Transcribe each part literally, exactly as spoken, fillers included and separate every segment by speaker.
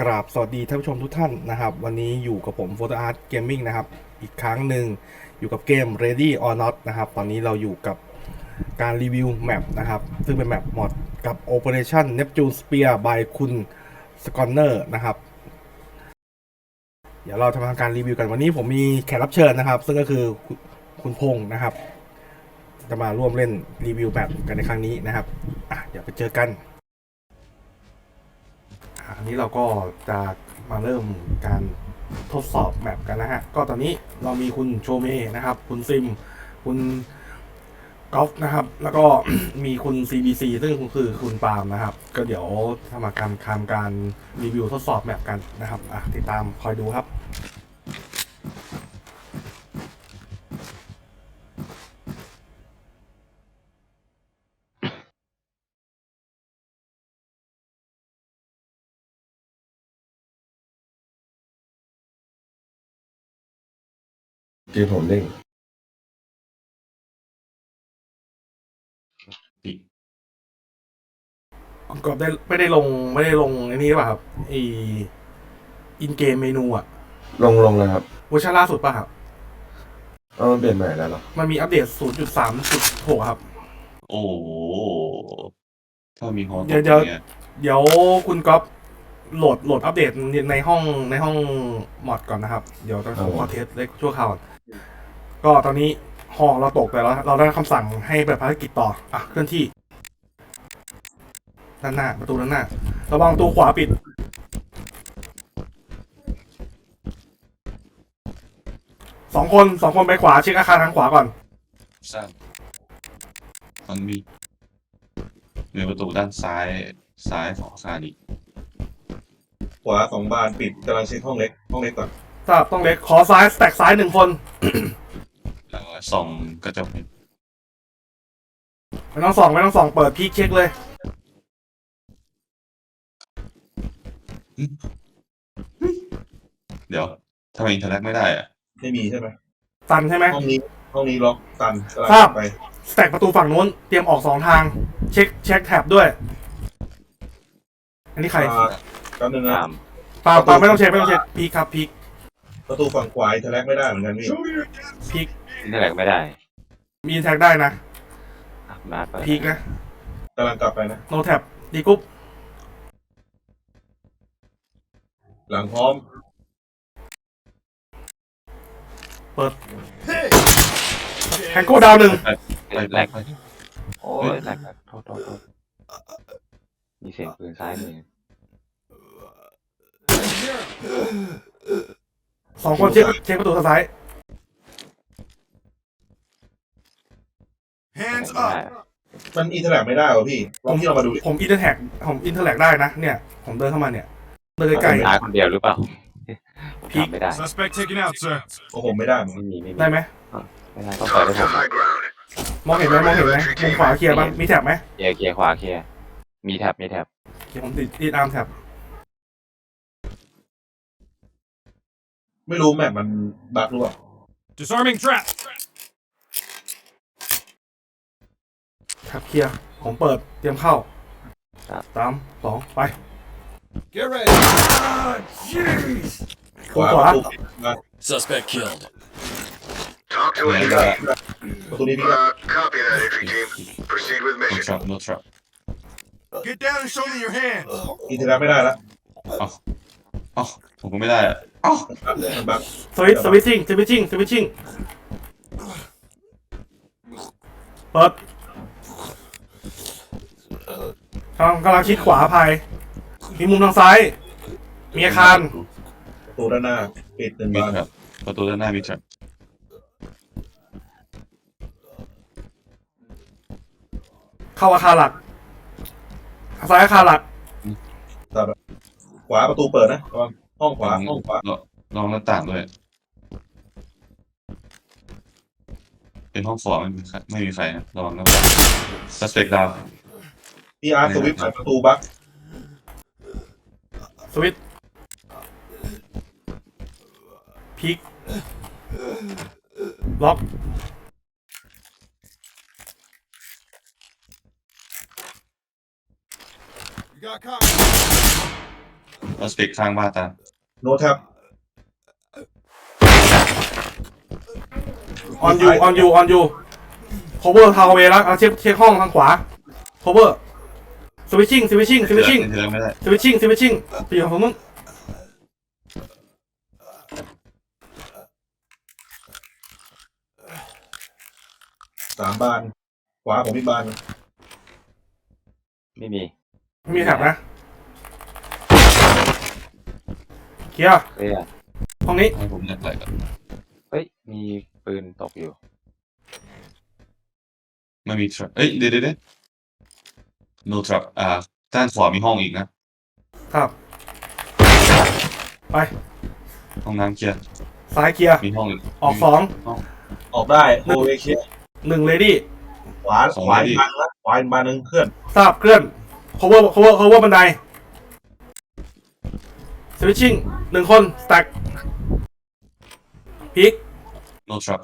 Speaker 1: ราบสวัสดีท่านผู้ชมทุกท่านนะครับวันนี้อยู่กับผม Photo Art Gaming นะครับอีกครั้งหนึ่งอยู่กับเกม Ready or Not นะครับตอนนี้เราอยู่กับการรีวิวแมปนะครับซึ่งเป็นแมปมอดกับ Operation Neptune Spear by คุณ Sconner นะครับเดี๋ยวเราทำการรีวิวกันวันนี้ผมมีแขกรับเชิญนะครับซึ่งก็คือคุณพงษ์นะครับจะมาร่วมเล่นรีวิวแมปกันในครั้งนี้นะครับอ่ะเดี๋ยวไปเจอกันอันนี้เราก็จะมาเริ่มการทดสอบแมปกันนะฮะก็ตอนนี้เรามีคุณโชเมนะครับคุณซิมคุณกอล์ฟนะครับแล้วก็ มีคุณ ซี บี ซี ซึ่งคือคุณปาล์มนะครับก็เดี๋ยวทำการทำการรีวิวทดสอบแมปกันนะครับอ่ะติดตามคอยดูครับ
Speaker 2: เกมผมเด้ง
Speaker 1: ก็ได้ไม่ได้ลงไม่ได้ลงไอ้นี่ป่ะครับไออินเกมเมนูอะ
Speaker 2: ลงลงแล้วครับ
Speaker 1: เวอร์ชันล่าสุดป่ะครับ
Speaker 2: เออมันเปลี่ยนใหม่แล้วเหรอ
Speaker 1: มันมีอัปเดต ศูนย์จุดสามจุดหก ครับ
Speaker 3: โอ้โหถ้ามีฮอต
Speaker 1: เดี๋ยวเดี๋ยวเดี๋ยวคุณก๊อฟโหลดโหลดอัปเดตในห้องในห้องมอดก่อนนะครับเดี๋ยวต้องขอเทสเล็กชั่วคราวก็ตอนนี้หอเราตกแต่เราเราได้คำสั่งให้ไปภารกิจต่ออ่ะเคลื่อนที่ด้านหน้าประตูด้านหน้าระวังประตูขวาปิดสองคนสองคนไปขวาเช็คอาคารทางขวาก่อน
Speaker 3: ทราบมันมีมีประตูด้านซ้ายซ้ายของอาคารอีก
Speaker 2: ขวาสองบานปิดกำลังเช็คห้องเล็กห้องเล็กก่อน
Speaker 1: ทราบต้องเล็กขอซ้ายแตกซ้ายหนึ่งคน
Speaker 3: แล้วส่องกระจก
Speaker 1: ไม่ต้องส่องไม่ต้องส่องเปิดพีคเช็คเลย
Speaker 3: เดี๋ยวทำไมอินเทอร์แลกไม่ได้อะ
Speaker 2: ไม่มีใช่ไหม
Speaker 1: ตันใช่ไหม
Speaker 2: ห้องนี้ห้องนี้ล็อกตัน
Speaker 1: ทราบไปแตกประตูฝั่งนู้นเตรียมออกสองทางเช็คเช็คแท็บด้วยอันนี้ใคร
Speaker 2: กันหนึ่งนะ
Speaker 1: ปาปาไม่ต้องเช็คไม่ต้องเช็คพีคครับพีค
Speaker 2: ประตูฝั่งขวาอินเทอร์แลกไม่ได้เหมือนกันพี่
Speaker 1: พีค
Speaker 4: อินเทอร์แลกไม่ได้
Speaker 1: มีอินแท็กได้นะพีคนะ
Speaker 2: กำลังกลับไปนะ
Speaker 1: โนแท็บดีกุ๊บ
Speaker 2: หลังพร้อม
Speaker 1: เปิดแฮงโก้ดาวหนึ่ง
Speaker 4: แลกโอ้ยแลกโทษโทษโทษมีเสียงปืนซ้ายมือ
Speaker 1: สองคนเช็คเช็คประตูทางซ้าย
Speaker 2: Hands up มันอินเทอร์แลกไม่ได้เหรอพี่ลองที่เรามาดู
Speaker 1: ผมอินเทอร์แท็กผมอินเทอร์แลกได้นะเนี่ยผมเดินเข้ามาเนี่ยเดินใกล้
Speaker 4: ๆคนเดียวหรือเปล่า
Speaker 1: พีค
Speaker 4: ไม่ได้
Speaker 2: Suspect taken out sir โอ้ผมไม่ได้
Speaker 4: ไม่มีไม่มี
Speaker 1: ได้ไหม
Speaker 4: ไม่ได้ต้องเปิดให้ผม
Speaker 1: มองเห็นไหมมองเห็นไหมมุมขวาเคลียร์บ้างมีแท็บไหม
Speaker 4: เคลียร์เคลียร์ขวาเคลียร์มีแท็บมีแท็บ
Speaker 1: ผมติดติดอาร์มแท็บ
Speaker 2: ไม่รู้แมปมันบั๊กหรือเปล่า
Speaker 1: Disarming trap แท็บเคลียร์ผมเปิดเตรียมเข้าสามสองไป
Speaker 2: Get ready ขวา
Speaker 5: Suspect killed
Speaker 6: Talk to entry team.
Speaker 2: ประตูนี้พี่
Speaker 6: Uh, copy that entry team. Proceed with
Speaker 3: no
Speaker 6: mission.
Speaker 3: trap no trap
Speaker 5: Get down and show me your hands
Speaker 2: อินเทอร์แลกไม่ได้แล้ว
Speaker 3: อ๋ออ๋อผมก็ไม่ได้อะอ๋อ
Speaker 2: มันบั๊ก
Speaker 1: สวิตสวิตชิ่งสวิตชิ่งสวิตชิ่งเปิดกำลังกำลังชิดขวาภายมีมุมทางซ้ายมีอาคาร
Speaker 2: ประตูด้านหน้าปิดหนึ่ง
Speaker 3: มี
Speaker 2: บาน
Speaker 3: trapประตูด้านหน้ามี trap
Speaker 1: เข้าอาคารหลักซ้ายอาคารหลัก
Speaker 2: ขวาประตูเปิดนะระวังห้องขวาห้องขวา
Speaker 3: ลองหน้าต่างด้วยเป็นห้องฟอร์ไม่มีไม่มีใครนะระวังหน้าต่าง suspect ดาว
Speaker 2: พีอาร์สวิตช์ประตูบั๊ก
Speaker 1: สวิตพีคล็อก
Speaker 3: เราสเปกข้างบ้านตาม
Speaker 2: โน้ตครับ
Speaker 1: ออนยูออนยูออนยู cover ทาวเวแล้วเอาเช็คเช็คห้องทางขวา cover switching switching
Speaker 3: เถื่อน
Speaker 1: switching
Speaker 3: เถื่อนไม่ได้
Speaker 1: switching switching ไปอยู่ของมึง
Speaker 2: สามบาน ขวาผมอีกบาน
Speaker 4: ไม่มี
Speaker 1: ไม่มีแท็บนะเคลียร์
Speaker 4: เคลียร์
Speaker 1: ห้องนี้
Speaker 3: ให้ผมเลือกอะไรก่อน
Speaker 4: เฮ้ยมีปืนตกอยู่
Speaker 3: ไม่มีทรัพเอ้ยเดี๋ยวเดี๋ยว no trap อ่าด้านขวามีห้องอีกนะครับ
Speaker 1: ไป
Speaker 3: ห้องน้ำเคลียร์
Speaker 1: ซ้ายเคลียร์
Speaker 3: มีห้องอีก
Speaker 1: ออกสอง
Speaker 2: ออกได้โฮเวเคีย
Speaker 1: หนึ่งเลดี้
Speaker 2: ขวาขวาอีกบานละขวาอีกบานหนึ่งเคลื่อน
Speaker 1: ทราบเคลื่อน cover cover cover บันได switching หนึ่งคน stack พีก
Speaker 3: no trap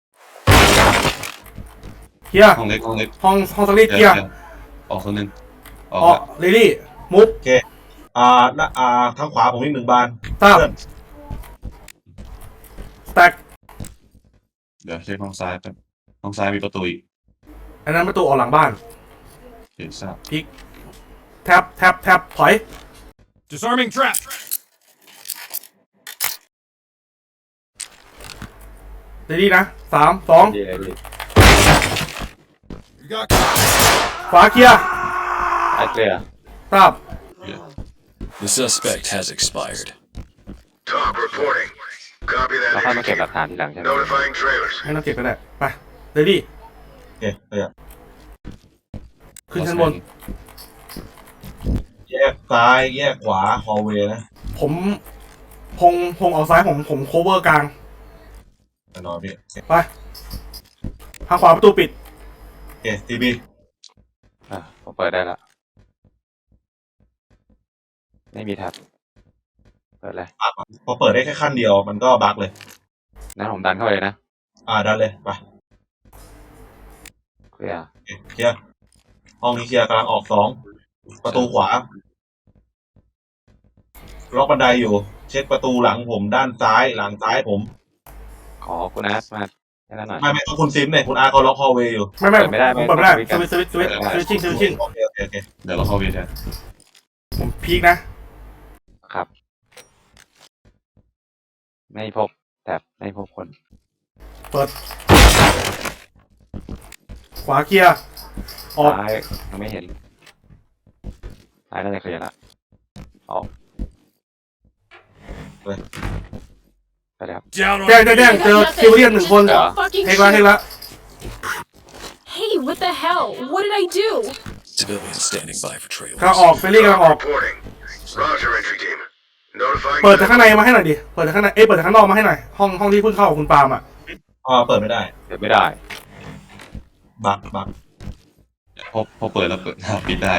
Speaker 1: เคลียร์
Speaker 3: ห้องเล็กห้องเล็ก
Speaker 1: ห้องห้องสลีปเคลียร์
Speaker 3: ออกคนหนึ่งออก
Speaker 1: ออกเลดี้มุฟ
Speaker 2: อ่าหน้าอ่าทางขวาผมอีกหนึ่งบาน
Speaker 1: ทราบ
Speaker 2: เคลื่อน
Speaker 1: stack
Speaker 3: เดี๋ยวเช็คห้องซ้ายแป๊บห้องซ้ายมีประตูอีก
Speaker 1: อันนั้นประตูออกหลังบ้าน
Speaker 3: เห็นทราบ
Speaker 1: พีกแท็บแท็บแท็บถอย
Speaker 5: Disarming trap.
Speaker 1: เลดี้นะสามสอง
Speaker 4: ดีเลยดี
Speaker 5: You got
Speaker 1: ขวาเคลียร์
Speaker 4: ไอ้เคลียร์
Speaker 1: ทราบ
Speaker 5: The suspect has expired.
Speaker 6: Talk reporting. Copy
Speaker 4: เรา
Speaker 6: that
Speaker 4: ค่อยมาเก็บ
Speaker 6: entry
Speaker 4: หลัก
Speaker 6: team.
Speaker 4: ฐานทีหลังใช่ไหม
Speaker 6: Notifying trailers.
Speaker 1: ให้น้องเก็บก็ได้ไปเลดี้
Speaker 2: โอเคขยับ
Speaker 1: ขึ้นชั้นบน
Speaker 2: แยกซ้ายแยกขวาฮอลเวย์นะ
Speaker 1: ผมพงพงออกซ้ายผมผม cover กลาง
Speaker 2: แน่นอนพี่
Speaker 1: ไปทางขวาประตูปิด
Speaker 2: โอเคทีบี
Speaker 4: อ่ะผมเปิดได้ละไม่มีแท็บเปิดเลย
Speaker 2: พอเปิดได้แค่ขั้นเดียวมันก็บั๊กเลย
Speaker 4: งั้นผมดันเข้าไปเลยนะ
Speaker 2: อ่าดันเลยไป
Speaker 4: เคลียร์
Speaker 2: โอเคเคลียร์ห้องนี้เคลียร์กำลังออกสองประตูขวา ล็อกบันไดอยู่ เช็คประตูหลังผมด้านซ้ายหลังซ้ายผม
Speaker 4: ขอคุณอาร์ตมาแค่นั้นหน่อย
Speaker 2: ไม่ไม่ต้องคุณซิมเนี่ยคุณอาร์เขาล็อกฮอลเวย์อยู่
Speaker 1: ไม่ไม่
Speaker 4: เปิดไม่ได้ไม่
Speaker 1: เปิดไม่ได้
Speaker 4: ต้อง
Speaker 1: สวิตช์สวิตช์สวิตช์สวิตชิ่งสวิตชิ่ง
Speaker 2: โอเคโอเคโอเค
Speaker 3: เดี๋ยวเราเข้าเวทแทน
Speaker 1: ผมพีกนะ
Speaker 4: ครับ ไม่พบแท็บไม่พบคน
Speaker 1: เปิด ขวาเคลียร์ออก
Speaker 4: ซ้ายยังไม่เห็นซ้ายน่าจะเคลียร์ละออกไปเลยครับ
Speaker 5: Down on
Speaker 1: แจ้งแจ้งแจ้งเจอคิวเลียนหนึ่งคน
Speaker 4: เหรอ
Speaker 1: เทคละเทคละ
Speaker 7: Hey, what the hell? What did I do?
Speaker 5: Civilians standing by for trailers.
Speaker 1: กำลังออกเฟรลี่กำลังออก
Speaker 6: Reporting. Roger, entry team. Notifying
Speaker 1: เปิดจากข้างในมาให้หน่อยดิ เปิดจากข้างใน เอ้ยเปิดจากข้างนอกมาให้หน่อย ห้องห้องที่เพิ่งเข้ากับคุณปาล์มอ่ะ
Speaker 2: อ่าเปิดไม่ได้
Speaker 4: เดี๋ยวไม่ได้
Speaker 2: บั๊กบั๊ก
Speaker 3: พอพอเปิดแล้วเปิดปิดได้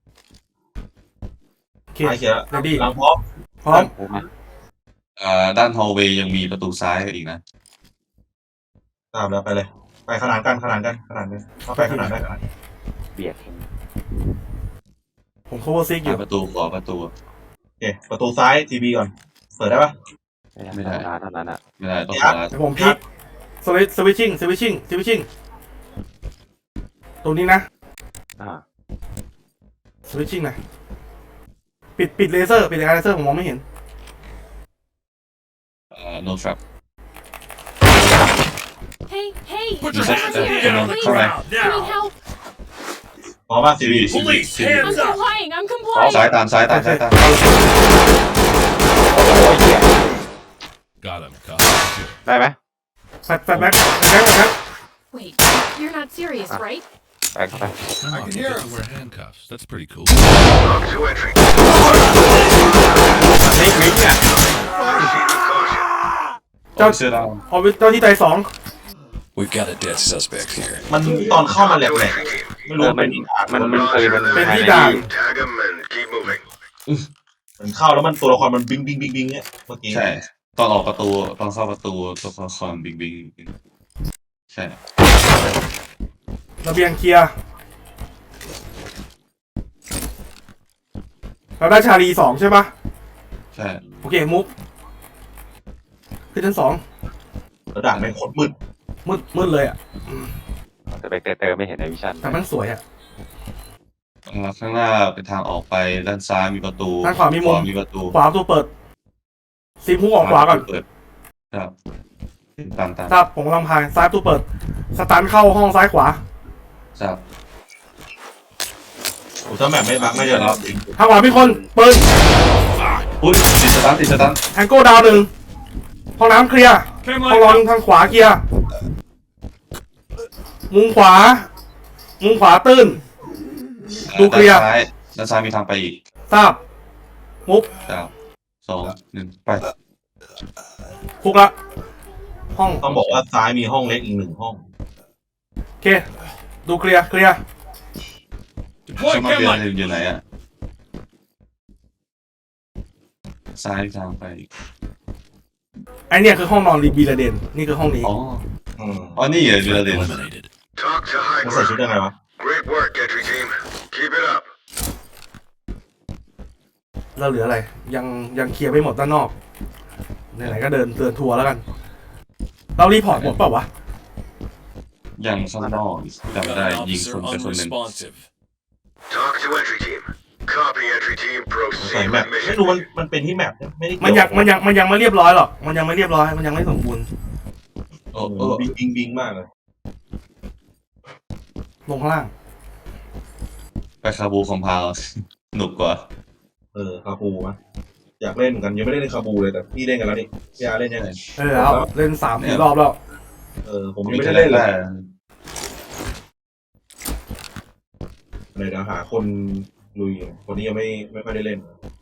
Speaker 1: โอเค
Speaker 2: ซ้ายเคลียร์
Speaker 1: เดี๋ยวดิ
Speaker 2: หลังพร้อม
Speaker 1: พร้อม
Speaker 4: ผมมา
Speaker 3: อ่าด้านฮอลเวย์ยังมีประตูซ้ายอีกนะ
Speaker 2: ตามแล้วไปเลย ไปขนานกันขนานกันขนานกันเข้าไปขนานได้ขนาน
Speaker 4: เบียด
Speaker 1: ผม cover six อ
Speaker 3: หา
Speaker 1: ยู่
Speaker 3: ประตูขอประตู
Speaker 2: โอเคประตูซ้ายทีบีก่อน เปิดได้ปะ
Speaker 4: ไม่ได้เท่านั้นอ่ะ
Speaker 3: ไม่ได้ต้องขอ
Speaker 1: เดี๋ยวผมพีกสวิตสวิตชิ่งสวิตชิ่งสวิตชิ่งตรงนี้นะ
Speaker 4: อ่า
Speaker 1: สวิตชิ่งหน่อยปิดปิดเลเซอร์ ปิดเลเซอร์ผมมองไม่เห็น
Speaker 3: อ่า no trap
Speaker 7: Hey, hey!
Speaker 5: Put
Speaker 3: your
Speaker 7: over
Speaker 3: hands
Speaker 7: here,
Speaker 3: down on the
Speaker 7: please.
Speaker 3: ground
Speaker 7: Can we
Speaker 5: now.
Speaker 7: help?
Speaker 2: พร้อมป่ะทีบี
Speaker 5: Police,
Speaker 7: I'm
Speaker 5: hands up.
Speaker 7: complying. I'm
Speaker 3: ซ้าย
Speaker 7: complying.
Speaker 3: ตามซ้ายตามซ้ายตาม
Speaker 5: Got him. Cop.
Speaker 4: ได้ไหม
Speaker 1: แฟดแฟดแบ็คแบ็คแบ็ค
Speaker 7: Wait, you're not serious, right?
Speaker 4: ไปเข้าไป
Speaker 5: Come on, you get to wear handcuffs. That's pretty cool.
Speaker 6: Talk to entry.
Speaker 4: นี่มิกเนี่ย
Speaker 6: Proceed with caution.
Speaker 3: เจ้าเสื้อด
Speaker 1: เอาเจ้าที่ใจสอง
Speaker 5: We've got a dead suspect here.
Speaker 2: มันตอนเข้ามาแหล
Speaker 6: Talk
Speaker 2: ก
Speaker 6: to
Speaker 2: แหลก
Speaker 6: entry team.
Speaker 2: ไม่รู้
Speaker 4: เออ
Speaker 2: ว่า
Speaker 4: มั
Speaker 2: เป็น น
Speaker 4: มันมันเคยมัน
Speaker 1: เป็นที่
Speaker 4: ภายใน
Speaker 1: ด่าน
Speaker 6: Tag them and keep moving.
Speaker 2: มันเข้าแล้วมันตัวละครมันบิงบิงบิงบิงเนี่ยเมื่อกี้
Speaker 3: ใช่ตอนออกประตูตอนเข้าประตูตัวละครบิงบิงใช่
Speaker 1: ระเบียงเคลียร์เราได้ชาลีสองใช่ปะ
Speaker 3: ใช่
Speaker 1: โอเคมุกขึ้นชั้นสอง
Speaker 2: แล้วด่านไม่งโคตรมืด
Speaker 1: มืดมืดเลยอ่ะ
Speaker 4: สเปกเตอร์ไม่เห็นในวิชั่น
Speaker 1: แต่มันสวยอ่ะ
Speaker 3: ข้างหน้าเป็นทางออกไปด้านซ้ายมีประตู
Speaker 1: ด้านขวามีมุม
Speaker 3: มีประตู
Speaker 1: ขวาประตูเปิดซีมพุ่งออกขวาก่อน
Speaker 3: เปิดครับตามตาม
Speaker 1: ทราบผมกำลังพายซ้ายประตูเปิด สตันเข้าห้องซ้ายขวา
Speaker 3: ทราบ
Speaker 2: โอ้ถ้าแบบไม่บักไม่จะรอบจริง
Speaker 1: ทางขวามีคนปืน
Speaker 3: อุ้ยติดสตาร์ทติดสตาร์ท
Speaker 1: แทงโก้ดาวหนึ่งห้องน้ำเคลียร์ห้องนอนทางขวาเคลียร์มุมขวา มุมขวาตื้น ดูเคลียร์
Speaker 3: ด้านซ้ายด้านซ้ายมีทางไปอีก
Speaker 1: ทราบ มุก
Speaker 3: สามสองหนึ่งไป
Speaker 1: ฟุกละ ห้อง
Speaker 2: ต้องบอกว่าซ้ายมีห้องเล็กอีกหนึ่งห้อง
Speaker 1: โอเค ดูเคลียร์ เคลียร์
Speaker 3: ช่วยมาเบียร์อยู่ไหนอะซ้ายทางไปอีก
Speaker 1: ไอเนี่ยคือห้องนอนรีบีระเดน นี่คือห้องนี้
Speaker 3: อ๋อ
Speaker 2: อืม
Speaker 3: อ๋อนี่เหรอเบีย
Speaker 5: Threat
Speaker 3: ร์เดน
Speaker 5: eliminated.
Speaker 6: Talk to high
Speaker 2: มันใส่ชุด
Speaker 6: ground.
Speaker 2: ยังไงวะ
Speaker 6: Great work, entry team. Keep it up.
Speaker 1: เราเหลืออะไร ยังยังเคลียร์ไม่หมดด้านนอก ไหนๆก็เดินเตือนทัวร์แล้วกัน เรารีพอร์ตหมดเปล่าวะ
Speaker 3: ยังข้างนอกจำ
Speaker 5: Got
Speaker 3: ได้
Speaker 5: an
Speaker 3: ยิง
Speaker 5: officer
Speaker 3: คนไปคนหนึ่ง
Speaker 5: unresponsive.
Speaker 6: Talk to entry team. Copy, entry team.
Speaker 2: ใส่
Speaker 6: Proceed
Speaker 2: แมป
Speaker 6: with
Speaker 2: ไม่
Speaker 6: mission.
Speaker 2: รู้มันมันเป็นที่แมปไม่ได้เกี่ยว
Speaker 1: มันยังมันยังมันยังไม่เรียบร้อยหรอก มันยังไม่เรียบร้อย มันยังไม่สมบูรณ์
Speaker 3: โอ้
Speaker 2: เอ
Speaker 3: โอ้
Speaker 2: อบิงบิงบิงมากเลย
Speaker 1: ลงข้างล่าง
Speaker 3: ไปคาบูคอมพาวหนุกกว่า
Speaker 2: เออคาบูมะอยากเล่นเหมือนกันยังไม่ได้เล่นคาบูเลยแต่พี่เล่นกันแล้วนี่พี่อาเล่นยังไง
Speaker 1: เออแล้วเล่นสามสี่รอบแล้ว
Speaker 2: เออผมยังไม่ได้เล่นเลยเดี๋ยวหาคนลุยคนนี้ยังไม่ไม่ค่อยได้เล่น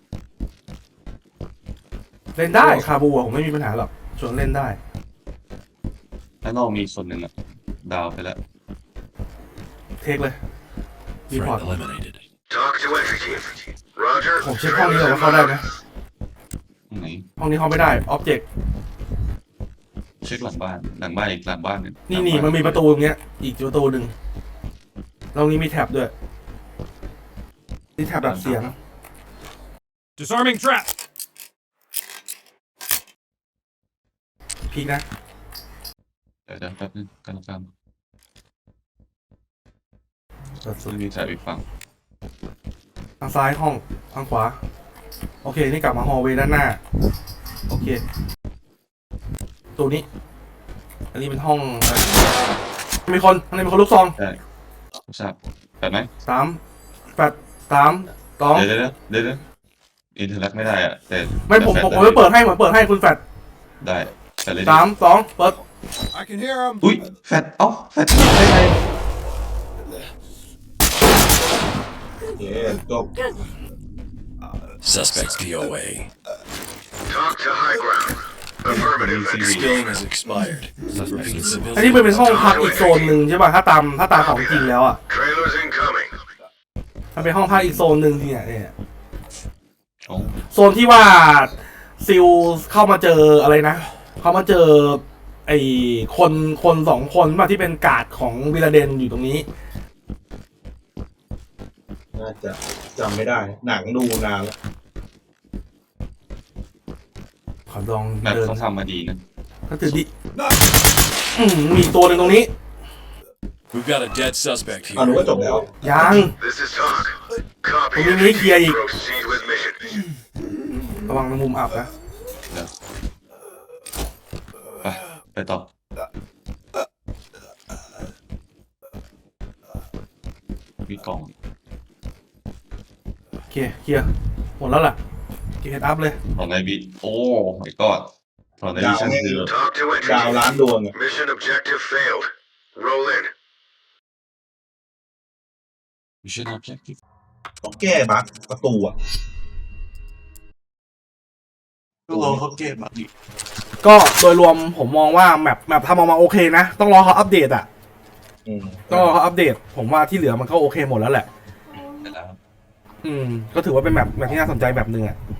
Speaker 1: เล่นได้คาบูอะผมไม่มีปัญหาหรอกชวนเล่นได้
Speaker 3: ด้านนอกมีคนหนึ่งอะดาวไปแล้ว
Speaker 1: เทคเลยรีพอร์ต
Speaker 5: Threat eliminated.
Speaker 6: Talk to entry team. Roger.
Speaker 1: ผมเช็คห้องนี้ก่อนว่าเข้าได้ไหม
Speaker 3: ตรงไหน
Speaker 1: ห้องนี้เข้าไม่ได้ ออบเจกต์
Speaker 3: เช็คหลังบ้านหลังบ้านอีกหลังบ้านหนึง
Speaker 1: นี่นี่มันมีประตูตรงเนี้ย อีกประตูหนึ่งตรงนี้มีแท็บด้วยนี่แท็บดับเสียง
Speaker 5: Disarming trap.
Speaker 1: พีกนะ
Speaker 3: เดี๋ยวเดี๋ยวแป๊บนึงกันแล้วกัน
Speaker 1: เปิดสุด
Speaker 3: ไม่มีแถบอีกฝั่ง
Speaker 1: ทางซ้ายห้องทางขวา โอเค นี่กลับมาฮอลเวย์ด้านหน้า โอเค ตัวนี้ อันนี้เป็นห้องอะไรมีคนอันนี้มีคนลูกซอง
Speaker 3: ได้ทราบแบบไหม
Speaker 1: สามแปดสามสอง
Speaker 3: เดี๋ยวเดี๋ยวเดี๋ยวเดี๋ยวอินเทอร์แลกไม่ได้อะแต่
Speaker 1: ไม่ผมผมผมไม่เปิดให้ผมเปิดให้คุณแฟด
Speaker 3: ได้แต่เลย
Speaker 1: สามสองเปิด
Speaker 5: I can hear him.
Speaker 3: อุ้ยแฟดเอ้าแฟดได้ไง
Speaker 2: เย้จบ
Speaker 5: Suspect D O A.
Speaker 6: Talk to high ground. Affirmative, entry team.
Speaker 5: Skilling has expired. Repeat
Speaker 1: อันนี้มันเป็น
Speaker 5: civilian.
Speaker 1: ห้องพักอีกโซนหนึ่งใช่ป่ะถ้าตามถ้าตามของจริงแล้วอ่ะ
Speaker 6: Trailers incoming.
Speaker 1: มันเป็นห้องพักอีกโซนหนึ่งเนี่ยเนี่ย
Speaker 3: โอ้
Speaker 1: โซนที่ว่าซิลเข้ามาเจออะไรนะ เข้ามาเจอไอ้คนคนสองคนมาที่เป็นการ์ดของวิลาเดนอยู่ตรงนี้
Speaker 2: น่าจะจำไม่ได้ หนังดูนานแล้ว
Speaker 1: ขอลอง
Speaker 3: แมป
Speaker 1: เดิน
Speaker 3: เขาทำมาดีนะ
Speaker 1: ก็คือดิอืมมีตัวหนึ่งตรงนี้
Speaker 5: We've got a dead suspect
Speaker 2: อ่า
Speaker 5: here.
Speaker 2: นึกว่าจบแล้ว
Speaker 1: ยัง
Speaker 6: This is talk. Copy,
Speaker 1: Well, you
Speaker 6: entry
Speaker 1: need here,
Speaker 6: team.
Speaker 1: you-
Speaker 6: Proceed with mission.
Speaker 1: ระวังมุมอับนะ
Speaker 3: เดี๋ยวไปไปต่อมีกล่อง
Speaker 1: โอเคเคลียร์หมดแล้วล่ะเกตอัพเลย
Speaker 3: ตอนในบีโอ้ my god ตอนในบีฉันคือ
Speaker 6: Talk to entry
Speaker 2: ดาว
Speaker 6: team.
Speaker 2: ล้านดวงอะ
Speaker 6: Mission objective failed. Roll in.
Speaker 3: mission objective
Speaker 2: ต้องแก้บั๊กประตูอ่ะ
Speaker 3: ก็รอเขาเก็บมาดิ
Speaker 1: ก็โดยรวมผมมองว่าแมปแมปทำออกมาโอเคนะ ต้องรอเขาอัปเดตอ่ะ
Speaker 2: อืม
Speaker 1: ต้องรอเขาอัปเดต ผมว่าที่เหลือมันก็โอเคหมดแล้วแหละ
Speaker 3: ไปแล้ว
Speaker 1: อืม ก็ถือว่าเป็นแมปแมปที่น่าสนใจแบบหนึ่งอ่ะ